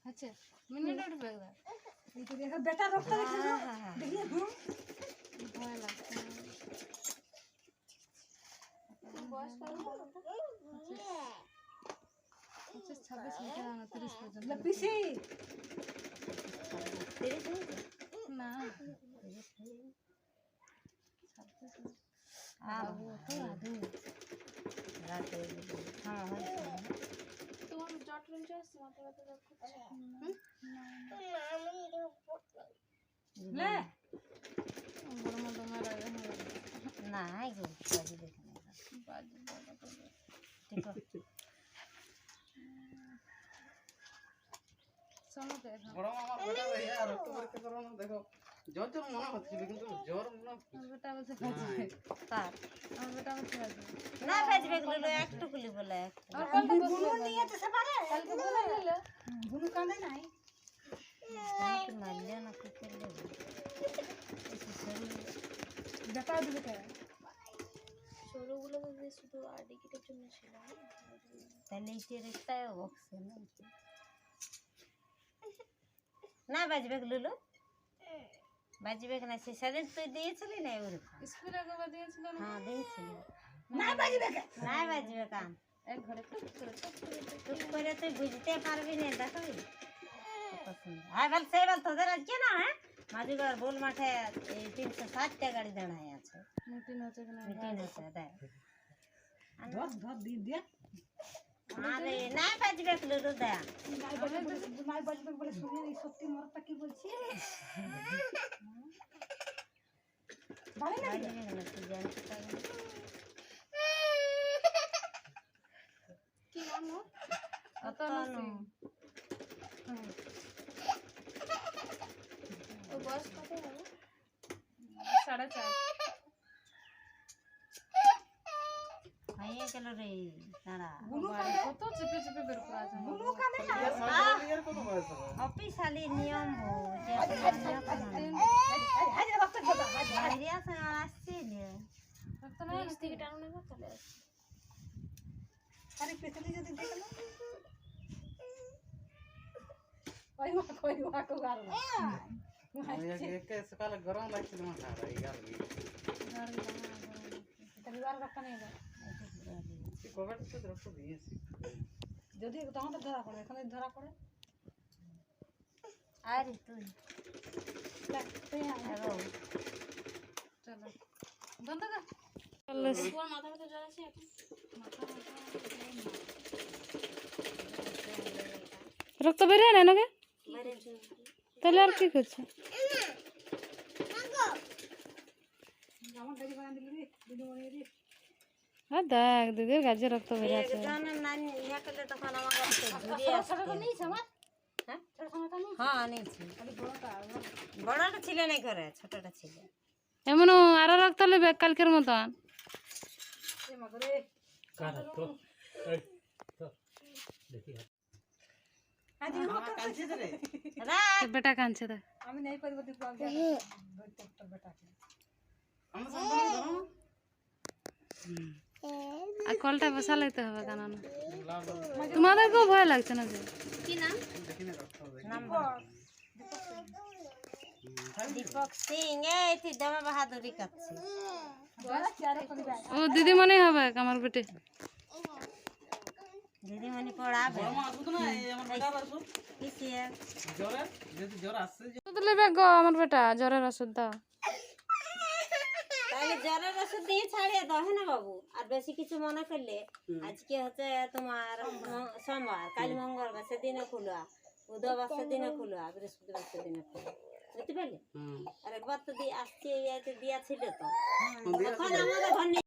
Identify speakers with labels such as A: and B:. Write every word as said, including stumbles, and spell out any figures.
A: अच्छा मिनट उठ बेगा
B: ये तो देखो बेटा रोकता देखो देखिए हम
A: भय लगता है बस करो अच्छा छब्बीस मीटर आना तीस पर्यंत
B: लपीसी
A: ना
C: आ वो तो आदू रात हां हो
A: तुम जट रंग जास माता तो रखो
B: ले
A: बड़ मत मारा है
C: ना है गो बाजी देखने
A: बाजी बड़ा कर
C: ठीक है
A: सुनो देखो
D: বড় মামা বেটা রে আর রক্ত পরীক্ষা করো না দেখো জ্বর জ্বর মনে হচ্ছিল কিন্তু জ্বর মনে
A: আমার বেটা বলছে বাজি
C: কার
A: আমার বেটা বলছে বাজি
C: না বাজবে গুলো একটু গুলি বলে
A: আর কালকে
B: বুনু নিয়ে তো সবারে
A: কালকে বলে নিলে
B: বুনু কাঁদে নাই
C: কি মারলে না কি করলে
B: বেটা দিবে কে
A: ছোটগুলো তো শুধু আইডি কিটের জন্য ছিল
C: তাহলে ইতে রেখতায় বক্সে না না বাজবে গুলো বাজবে না সে সেদিন তুই দিয়েছিলি না ওর
A: স্কুলে একবার দিয়েছিল না
C: হ্যাঁ দিয়েছিলি
B: না বাজিবে কে
C: না বাজবে কাম
A: এক ঘরে টুক করে টুক করে
C: চুপ করে তুই বুঝতে পারবি না দেখো পছন্দ হ্যাঁ বল সে বল তোদের আজকে না হ্যাঁ মাঝিগড় বোল মাঠে এই তিনশো ষাটটা গাড়ি দাঁড়ায় আছে
A: মিটিং হচ্ছে কিনা
C: মিটিং হচ্ছে দেখ
B: ধর ধর দি দে
C: আরে না বাজবে গুলো দেখ
B: নাই বাজবে নাই বাজবে বলে শুনে এই সত্যি মরটা কি বলছি বাড়ি না
C: বাজবে না তুই জানতে পারবি
A: কি নাম ও
C: কত নো
A: ও বয়স কত হবে সাড়ে চার
C: হয়ে গেল রে দাঁড়া
B: বুনু
A: বাড়ি
B: কাঁদে
A: কত চেপে চেপে বের করা আছে
B: বুনু কাঁদে না
D: ইয়ার সাড়ে ইয়ার কত বয়স হবে
C: অফিসালি নিয়ম হো যে
B: আজ রক্ত খেতা আজ
C: বাইরে আছে আসছিল
A: রক্ত না নিচ থেকে টানো নেবো তাহলে
B: আরে পেছনে যদি দেখো না ওই মা কই মা কো গার
D: एक सकाल गरम लागছিল মাথা আর ইয়ার
B: রবিবার রক্ত নিয়ে যাও
D: কি কোভিড তো রক্ত দিয়েছি
B: যদি তখন তো ধরা পড়ে এখন ধরা পড়ে
C: আরে তুই
B: দেখ তুই
C: হ্যালো
A: চলো বন্ধ কর ওর মাথা ব্যথা জ্বর আছে এখন মাথা
E: রক্ত বেরিয়ে না নাকি তাহলে আর কি করছে
B: আমার দাদি বানা দিলি রে দিদি মনে রে
E: হ্যাঁ দেখ দিদির গাছে রক্ত বেরিয়ে আছে
C: একজনের নানি ইয়া করলে তখন আমার কাছে ঘুরে আসছে
B: ছোটটা নিয়েছ আমার
C: হ্যাঁ
B: ছোট ছোটটা নিয়েছ
C: হ্যাঁ নিয়েছি
B: খালি বড়টা
C: বড়টা ছিল না ঘরে ছোটটা ছিল
E: এমন আরো রক্ত নেবে কালকের মতন
B: এ মা করে আজ
D: মামা কালছে রে
C: রাখ
E: বেটা কাঁদছে দেখ
B: আমি নেই পারবো দিব আগে একটা বেটাকে
D: আমরা সম্পর্কে ধরো
E: আর কলটা বসালাইতে হবে কেন না
D: লাভ
E: তোমাদেরকেও ভয় লাগছে না যে
A: কি নাম
D: দেখি না রক্ত হবে
C: নাম্বার দীপক সিং এই তুই দমা বাহাদুরি করছিস
B: বড় চারে করে যায়
E: ও দিদিমণি হবে আমার বেটে
C: দিদিমণি পড়াবে
D: মামা আসুন না এই আমার বেটা আসুন
C: কিসে
D: জ্বরে যদি জ্বর আসছে
E: ওষুধ নেবে গো আমার বেটা জ্বরের ওষুধ দাও
C: তাহলে জ্বরের ওষুধ দিয়ে ছাড়িয়ে দাও হ্যাঁ না বাবু আর বেশি কিছু মনে করলে আজকে হচ্ছে তোমার ম- সোমবার কাল মঙ্গলবার সেদিনে খুলবা বুধবার সেদিনে খুলবা বৃহস্পতিবার সেদিনে খুলবা বুঝতে পারলে
D: হুম
C: আর একবার তো দিয়ে আসছে এই আইতে দিয়া ছিল তো
D: দিয়া
C: তখন আমাদের ঘর